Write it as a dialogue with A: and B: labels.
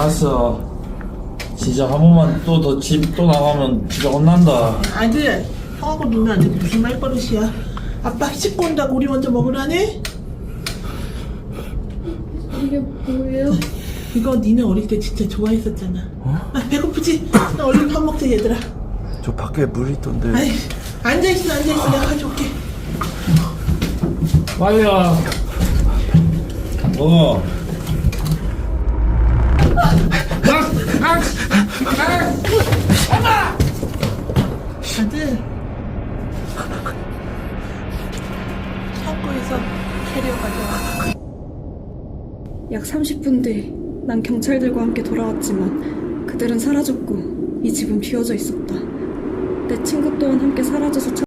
A: 알았어. 진짜 한 번만 또 더 집 또 나가면 진짜 혼난다.
B: 아들, 형하고 누나한테 무슨 말버릇이야? 아빠 씻고 온다고 우리 먼저 먹으라네?
C: 이게 뭐예요?
B: 이거 니네 어릴 때 진짜 좋아했었잖아. 아, 배고프지? 나 얼른 밥 먹자 얘들아.
D: 저 밖에 물 있던데.
B: 아이, 앉아있어 내가 가져올게.
A: 빨리 와. 먹어.
B: 아들, 창고에서 캐리어 가져와.
C: 약 30분 뒤 난 경찰들과 함께 돌아왔지만 그들은 사라졌고 이 집은 비어져 있었다. 내 친구 또한 함께 사라져서